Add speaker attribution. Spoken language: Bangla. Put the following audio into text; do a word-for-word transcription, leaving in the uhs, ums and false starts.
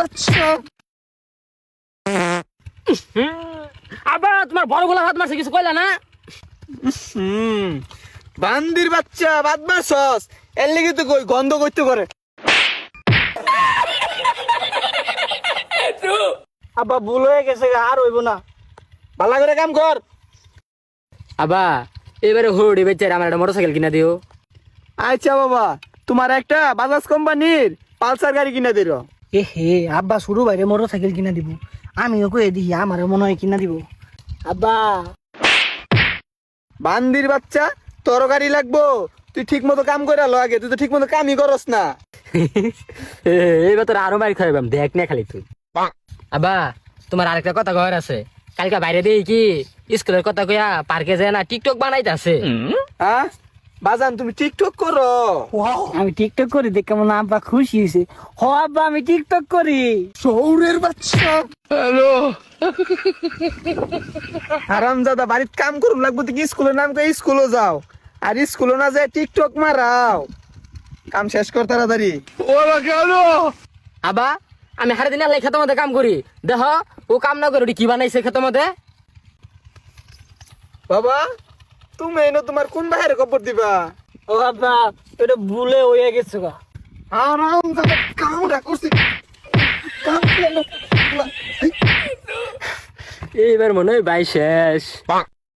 Speaker 1: বাচ্চা।
Speaker 2: আবার তোমার বড় গোলা হাত মারছে কিছু কইলা না?
Speaker 1: হুম বান্দির বাচ্চা বাদ মারছস এর লেগে তো কই গন্ধ করতে করে। আব্বা ভুল হয়ে গেছে আর হইব না, ভালো করে কাম কর।
Speaker 2: আবা এবারে হড়ি বেচারে আমার একটা মোটরসাইকেল কিনা দিও।
Speaker 1: আচ্ছা বাবা, তোমার একটা বাজাজ কোম্পানির পালসার গাড়ি কিনে দিল।
Speaker 3: এ হে আব্বা শুরু বাইরে মোটর সাইকেল কিনা দিব, আমিও কয়ে দিই আমারও মনে হয় কিনা দিব। আব্বা
Speaker 1: বান্দির বাচ্চা তোর গাড়ি লাগবো, তুই ঠিক মতো কাম করে লো আগে, তুই তো ঠিক মতো কামই করস না।
Speaker 2: এইবার তোর আরো মারি খাইবাম দেখ না খালি তুই। আবা তোমার আরেকটা কথা কয়ার আছে, কালকে বাইরে দেই কি স্কুলের কথা কইয়া পার্কে যায় না টিকটক বানাইতাছে।
Speaker 1: হ্যাঁ বাজান তুমি টিকটক করো?
Speaker 3: আমি টিকটক করি দেখ কেমন আব্বা খুশি হয়েছে। হ আব্বা আমি টিকটক করি।
Speaker 1: শৌরের বাচ্চা। হ্যালো হারামজাদা, বাড়িত কাম করুন লাগবো তুই কি স্কুলের নাম কই স্কুলে যাও, আর স্কুলে না যায় টিকটক মারাও। কাম শেষ কর তাড়াতাড়ি। ওরা কেন?
Speaker 2: আবা আমি হারে দিন আল্লাহ খেতের মধ্যে কাম করি, দেখ ও কাম না করে ওটি কি বানাইছে খেতের মধ্যে।
Speaker 1: বাবা তুমি এনো তোমার কোন বাইরে খবর দিবা?
Speaker 3: ও আব্বা এটা ভুলে হয়ে গেছে গা।
Speaker 1: হারামজাদা কামটা করছি। কাম করলো।
Speaker 2: এইবার মনে হয় বাই শেষ।